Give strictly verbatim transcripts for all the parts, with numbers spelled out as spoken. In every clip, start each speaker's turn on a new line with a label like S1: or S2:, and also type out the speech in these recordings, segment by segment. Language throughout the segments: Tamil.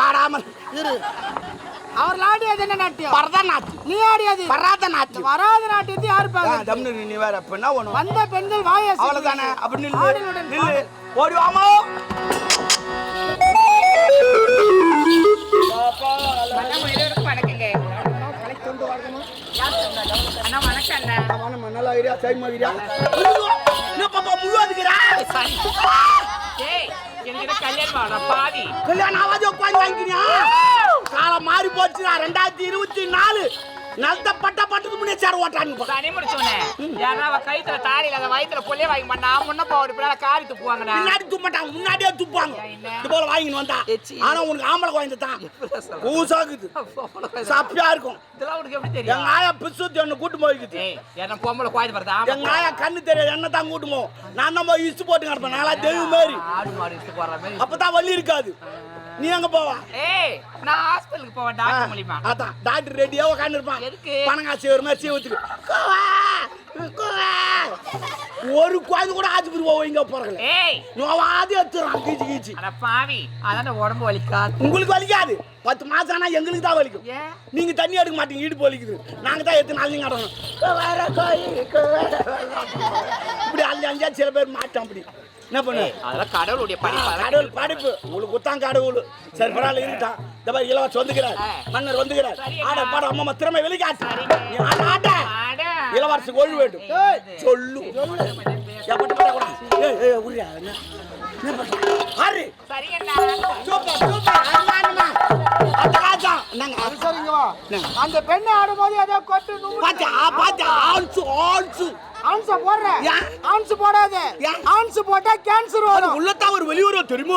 S1: ஆடாமல்
S2: இரு. அவர் ஆடியது என்ன நாட்டியம்?
S1: பரதநாட்டியம்.
S2: நீ ஆடியது
S1: பரதநாட்டியம்.
S2: வராத நாட்டியத்தை யாரு பாக்க?
S1: தம்னு நீ வேற அப்ப ஒண்ணு
S2: வந்த பெண்கள் வாய
S1: அவ்வளவுதானே. அப்படி நில்லு நில்லு ஓடி வாமா. காலம் மாறி போச்சு. ரெண்டாயிரத்தி இருபத்தி நாலு நல்ல பட்ட பட்டது முன்னே சேர ஓட்டான்னு
S3: கைத்துல தாடி இல்லாத வயிற்றுல கொள்ளைய வாங்கி பண்ணா முன்ன போடு காரி துப்புவாங்க.
S1: முன்னாடி துப்பட்டாங்க, முன்னாடியே துப்பாங்க. இது போல வாங்கின்னு வந்தா ஆனா உனக்கு ஆம்பளை குழந்தை தான் பூசாக்குது, சப்பியா இருக்கும்.
S3: இதெல்லாம் உனக்கு எப்படி தெரியும்?
S1: எங்க ஆயா பிசுத்தி ஒண்ணு கூட்டு போய்க்குது.
S3: என்ன பொம்பளை குழந்தை வருதா?
S1: எங்க ஆயா கண்ணு தெரியாது என்ன தான் கூட்டு போவோம். நான் தான் போய் இஷ்டு போட்டு கிடப்பேன். நாளா தெய்வம் மாதிரி
S3: ஆடு மாடு இஷ்டு போடுற மாதிரி.
S1: அப்பதான் வலி இருக்காது. நீ எங்க போவா?
S3: ஏய் நான் ஹாஸ்பிடலுக்கு போவேன் டாக்டர் மூலியமா.
S1: அதான் டாக்டர் ரெடியா உட்கார்ந்து இருப்பான்.
S3: எதுக்கு?
S1: பணங்காசி ஒரு மாதிரி சீவத்துக்கு ஒரு குழந்தை கூட ஆஸ்பத்திரி போவோம். இங்க போறல
S3: ஏய்
S1: நோவாது எடுத்துறான் கீச்சு கீச்சு.
S3: அட பாவி அதான உடம்பு வலிக்காது.
S1: உங்களுக்கு வலிக்காது. பத்து மாசம் ஆனா எங்களுக்கு தான் வலிக்கும். நீங்க தண்ணி எடுக்க மாட்டீங்க, இடுப்பு வலிக்குது. நாங்க தான் எத்தனை நாள் நீங்க ஆடணும். இப்படி அஞ்சு அஞ்சா சில பேர் மாட்டோம். அப்படி என்ன பண்ணு?
S3: அதெல்லாம் கடவுளுடைய படைப்பு.
S1: கடவுள் படைப்பு. உங்களுக்கு குத்தான் கடவுள். சரி பரவாயில்ல இருட்டான். இந்த மாதிரி இளவரசி வந்துக்கிறார், மன்னர் வந்துக்கிறார். ஆட பாட அம்மா திறமை வெளிக்காட்டு. நீ ஆட ஆட இளவரசி ஒழு வேண்டும் சொல்லு.
S2: அந்த பெண்ணை ஆடும்போது ஏதோ கொட்டு
S1: பாத்தா பாத்தா ஆன்சு ஆன்சு
S2: ஆன்ஸ் போடுற ஆன்ஸ் போடாத. ஆன்ஸ் போட்டா கேன்சர் வரும்.
S1: உள்ளதான் ஒரு வெளியூர் தெரியுமா?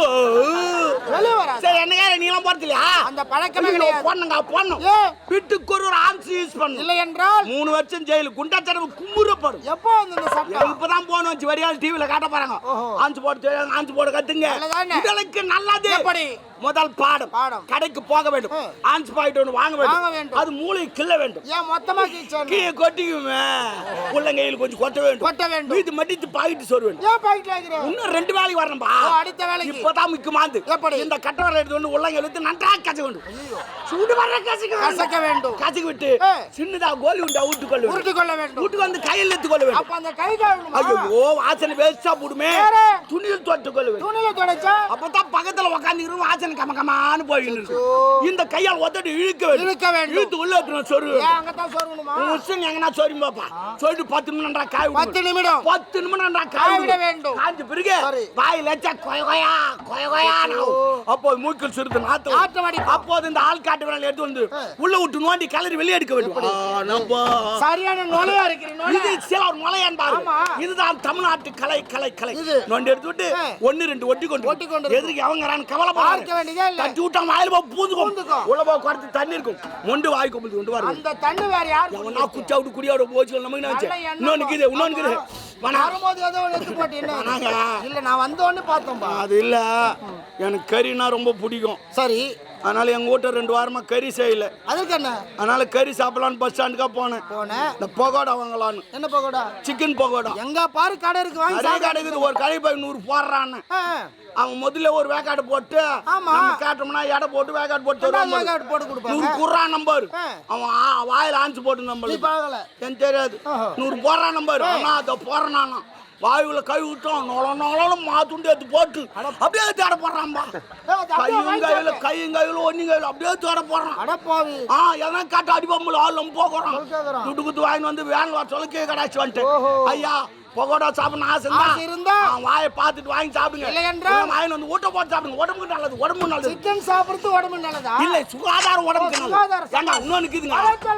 S2: வெளிய வர
S1: சரி என்ன நீ எல்லாம் போறதில்லையா?
S2: அந்த பழக்கமே கிடையாது.
S1: போடுங்க போடணும். வீட்டுக்கு ஒரு ஆன்ஸ் யூஸ் பண்ணு.
S2: இல்லை என்றால்
S1: மூணு வருஷம் ஜெயிலு குண்டாச்சரவு கும்புறப்படும்.
S2: எப்போ வந்து இந்த சட்டம்?
S1: இப்பதான் போன வச்சு வரியால் டிவில காட்ட பாருங்க. ஆன்ஸ் போட்டு ஆன்ஸ் போட கத்துங்க. உங்களுக்கு நல்லது. எப்படி? முதல் பாடம் பாடம் கடைக்கு போக வேண்டும். ஆன்ஸ் பாயிண்ட் ஒன்று வாங்க வேண்டும். அது மூளை கிள்ள வேண்டும்.
S2: ஏன் மொத்தமா கீச்சணும்?
S1: கீழே கொட்டிக்குமே. உள்ளங்கையில் கொஞ்சம் கொட்ட வேண்டும்.
S2: கொட்ட வேண்டும்.
S1: இது மடித்து பாயிண்ட் சொரு வேண்டும்.
S2: ஏன் பாயிண்ட் வைக்கிற?
S1: இன்னும் ரெண்டு வேலைக்கு வரணும்பா.
S2: அடுத்த வேலைக்கு
S1: இப்பதான் முக்கியமானது. எப்படி? இந்த கட்டவரை எடுத்து வந்து உள்ளங்கையில் எடுத்து நன்றாக கசக்க வேண்டும். சூடு வர கசக்க
S2: கசக்க வேண்டும்.
S1: கசக்கி விட்டு சின்னதா கோலி உண்டா ஊட்டு கொள்ள வேண்டும்.
S2: ஊட்டு கொள்ள வேண்டும்.
S1: ஊட்டுக்கு வந்து கையில் எடுத்து கொள்ள வேண்டும்.
S2: அப்ப அந்த கை கழுவணும்.
S1: ஐயோ வாசனை வேஸ்டா போடுமே. துணியில் தொட்டு கொள்ள வேண்டும்.
S2: துணியில தொடச்சா
S1: அப்பதான் பக்கத்துல உட்கார்ந்து வாசனை கம கமான்னு போயிட்டு இந்த கையால் ஒத்தடி இழுக்க வேண்டும்.
S2: இழுக்க வேண்டும்.
S1: இழுத்து உள்ள எடுத்து சொரு.
S2: ஏன் அங்க தான் சொருணுமா?
S1: உசுங்க எங்கனா சொரி பாப்பா. சொல்லிட்டு பத்து நிமிடம்டா காய் விடு.
S2: பத்து நிமிடம்.
S1: பத்து நிமிடம்டா காய்
S2: விட வேண்டும்.
S1: காஞ்ச பிறகு வாயில வச்சா கொய கொயா கொய கொயா. அப்போ மூக்கில் சிறுது நாத்து.
S2: ஆட்டமடி.
S1: அப்போது இந்த ஆள் காட்டு விரல் எடுத்து வந்து உள்ள விட்டு நோண்டி கலரி வெளியே எடுக்க வேண்டும். ஆனப்பா
S2: சரியான நோலையா இருக்கிறீங்க.
S1: இது சில ஒரு மலையான் பாரு. இதுதான் தமிழ்நாட்டு கலை கலை கலை. நோண்டி எடுத்து விட்டு ஒன்னு ரெண்டு ஒட்டி கொண்டு
S2: ஒட்டி கொண்டு
S1: எதிர்க்கு அவங்கறான் கவலை பார்க்க
S2: வேண்டியதே இல்ல.
S1: தட்டி விட்டா வாயில போ பூந்துக்கும். உள்ள போ குறத்து தண்ணி இருக்கும். மொண்டு வாய் கொம்புது கொண்டு வர.
S2: அந்த தண்ணி வேற யார்?
S1: அவனா குச்சா விட்டு குடியோட போச்சு நமக்கு நினைச்ச. இன்னொன்னு கிது இன்னொன்னு கிது.
S2: வரும்போது ஏதோ எடுத்து போட்டு என்ன? இல்ல நான் வந்த உடனே பார்த்தோம்பா.
S1: அது இல்ல எனக்கு கறினா ரொம்ப பிடிக்கும்.
S2: சரி
S1: அதனால எங்க வீட்டை ரெண்டு வாரமா கறி செய்யல.
S2: அதுக்கு என்ன?
S1: அதனால கறி சாப்பிடலான்னு பஸ் ஸ்டாண்டுக்கா போனேன்.
S2: போனேன்.
S1: இந்த பகோடா வாங்கலான்னு.
S2: என்ன பகோடா?
S1: சிக்கன் பகோடா.
S2: எங்க பாரு கடை இருக்கு வாங்கி சாப்பிடு.
S1: கடை இருக்குது. ஒரு கடை போய் நூறு போடுறான்னு. அவன் முதல்ல ஒரு வேக்காடு போட்டு நம்ம கேட்டோம்னா எடை போட்டு வேக்காடு போட்டு
S2: வேக்காடு போட்டு கொடுப்பாங்க.
S1: நூறு குர்றான் நம்பர். அவன் வாயில ஆஞ்சு போட்டு நம்பர். எனக்கு தெரியாது. நூறு போடுறான் நம்பர். ஆனா அதை போடுறேன் நானா வாயுல கை விட்டோம் நொல நொலும் மாத்துண்டு எடுத்து போட்டு அப்படியே தேட போடுறான்பா. கையும் கையில கையும் கையில ஒன்னும் கையில அப்படியே தேட போடுறான். ஆ எதனா காட்டு அடிப்பம்புல ஆள் போகிறான். துட்டு குத்து வாங்கி வந்து வேன் வர சொல்ல கே கடாச்சு வந்துட்டு ஐயா பகோடா சாப்பிடணும் ஆசை இருந்தா வாயை பார்த்துட்டு வாங்கி சாப்பிடுங்க. இல்லை என்றால் வாங்கி வந்து ஊட்ட போட்டு சாப்பிடுங்க. உடம்புக்கு நல்லது. உடம்பு நல்லது.
S2: சிக்கன் சாப்பிடுறது உடம்பு நல்லதா?
S1: இல்லை சுகாதாரம் உடம்புக்கு நல்லது. ஏண்டா இன்னொன்னு இருக்குதுங்க.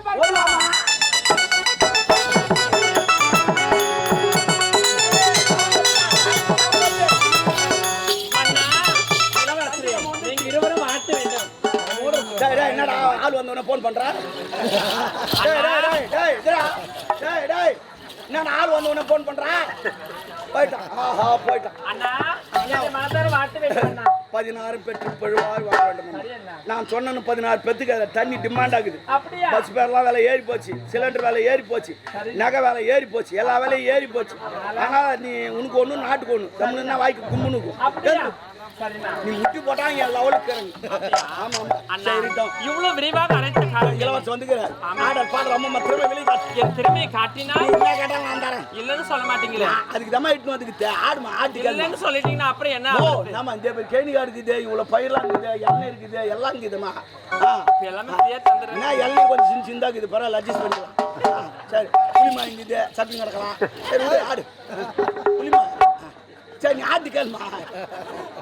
S1: என்னடா ஆள் வந்தவன போன் பண்றா? என்னடா ஆள் வந்தவன போன் பண்றா? போயிட்டான். ஆஹா போயிட்டான்.
S3: அண்ணா என்னுடைய மனதார வாழ்த்து வேண்டும் அண்ணா.
S1: பதினாறு பெற்று பழுவாய் வாழ வேண்டும் அம்மா.
S3: சரி அண்ணா.
S1: நான் சொன்னேன்னு பதினாறு பெத்துக்கு அதில் தண்ணி டிமாண்ட் ஆகுது.
S3: அப்படியா?
S1: பஸ் பேர்லாம் விலை ஏறி போச்சு, சிலிண்டர் விலை ஏறி போச்சு, நகை விலை ஏறி போச்சு, எல்லா விலையும் ஏறி போச்சு. ஆனால் நீ உனக்கு ஒன்று நாட்டுக்கு ஒன்று தமிழ்னா வாய்க்கு கும்முனுக்கும்.
S3: அப்படியா? சரிண்ணா.
S1: நீ முட்டி போட்டா என் லெவலுக்கு ஆமா
S3: அண்ணா,
S1: சரிட்டோம்.
S3: இவ்வளவு விரிவாக அனைத்து காலம்
S1: இலவசம் வந்துக்கிறேன் ஆடர் பாடல் அம்மா திறமை வெளியே காட்டு.
S3: என் திறமையை காட்டினா
S1: நீ என்ன கேட்டாலும் நான் தரேன்.
S3: இல்லைன்னு சொல்ல மாட்டீங்களே.
S1: அதுக்கு தான் இட்டு வந்துக்கு ஆடுமா ஆட்டுக்கு
S3: இல்லைன்னு சொல்லிட்டீங்கன்னா அப்புறம் என்ன
S1: ஓ
S3: ஆகுறது?
S1: நாம இந்த பேர் கேணிகா இருக்குது, இவ்வளவு பயிரெல்லாம் இருக்குது, எண்ணெய் இருக்குது, எல்லாம் இருக்குதுமா.
S3: இப்ப எல்லாமே ஃப்ரீயா தந்துடுறேன்.
S1: என்ன எண்ணெய் கொஞ்சம் சின்ன சின்னதா இருக்குது, பரவாயில்ல அட்ஜஸ்ட் பண்ணிக்கலாம். ஆ, சரி புளிமா இருக்குது, சட்னி கிடக்கலாம். சரி விடு, ஆடு புளிமா. சரி நீ ஆட்டு கேளுமா.